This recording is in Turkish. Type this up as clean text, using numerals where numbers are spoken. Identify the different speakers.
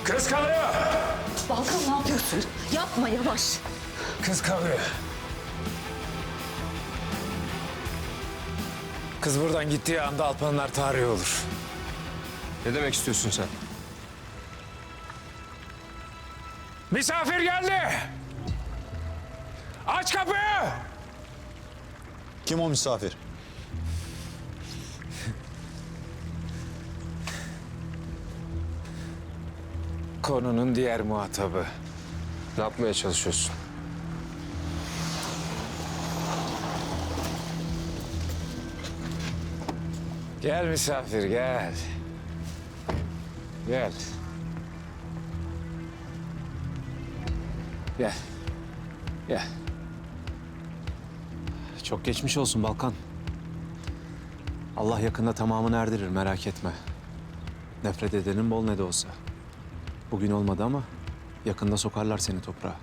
Speaker 1: Kız kalıyor.
Speaker 2: Balkan ne yapıyorsun? Yapma, yavaş.
Speaker 1: Kız kalıyor. Kız buradan gittiği anda Alpanlar tarihi olur.
Speaker 3: Ne demek istiyorsun sen?
Speaker 1: Misafir geldi. Aç kapıyı.
Speaker 4: Kim o misafir?
Speaker 1: Konunun diğer muhatabı.
Speaker 3: Ne yapmaya çalışıyorsun?
Speaker 1: Gel misafir gel. Gel. Gel. Gel.
Speaker 5: Çok geçmiş olsun Balkan. Allah yakında tamamını erdirir, merak etme. Nefret edenin bol ne de olsa. Bugün olmadı ama yakında sokarlar seni toprağa.